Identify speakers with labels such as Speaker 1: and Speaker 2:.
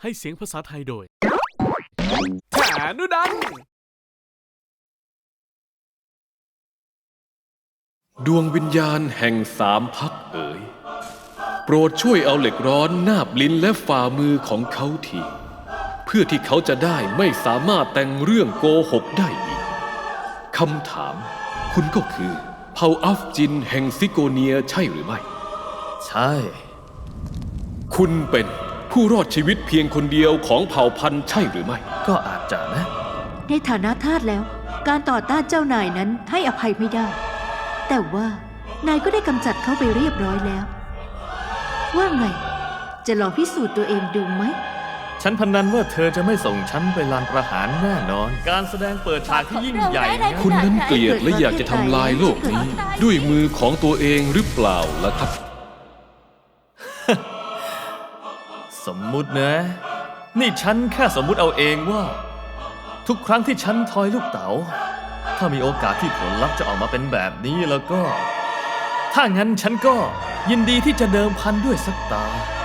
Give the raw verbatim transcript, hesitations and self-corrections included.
Speaker 1: ให้เสียงภาษาไทยโดยฐานุดัน
Speaker 2: ดวงวิญญาณแห่งสามพักเอ๋ยโปรดช่วยเอาเหล็กร้อนนาบลิ้นและฝ่ามือของเขาทีเพื่อที่เขาจะได้ไม่สามารถแต่งเรื่องโกหกได้อีกคำถามคุณก็คือเผ่าอัฟจินแห่งซิโกเนียใช่หรือไม่
Speaker 3: ใช่
Speaker 2: คุณเป็นผู้รอดชีวิตเพียงคนเดียวของเผ่าพันธุ์ใช่หรือไม่
Speaker 3: ก็อาจจะนะ
Speaker 4: ในฐานะทาสแล้วการต่อต้านเจ้านายนั้นให้อภัยไม่ได้แต่ว่านายก็ได้กำจัดเขาไปเรียบร้อยแล้วว่าไงจะลองพิสูจน์ตัวเองดูไหม
Speaker 3: ฉันพนันว่าเธอจะไม่ส่งฉันไปลานประหารแน่นอนการแสดงเปิดฉากที่ยิ่งใหญ่
Speaker 2: คุณนั้นเกลียดและอยากจะทำลายโลกนี้ด้วยมือของตัวเองหรือเปล่าล่ะครับ
Speaker 3: สมมุตินะนี่ฉันแค่สมมุติเอาเองว่าทุกครั้งที่ฉันทอยลูกเต๋าถ้ามีโอกาสที่ผลลัพธ์จะออกมาเป็นแบบนี้แล้วก็ถ้างั้นฉันก็ยินดีที่จะเดิมพันด้วยสักตา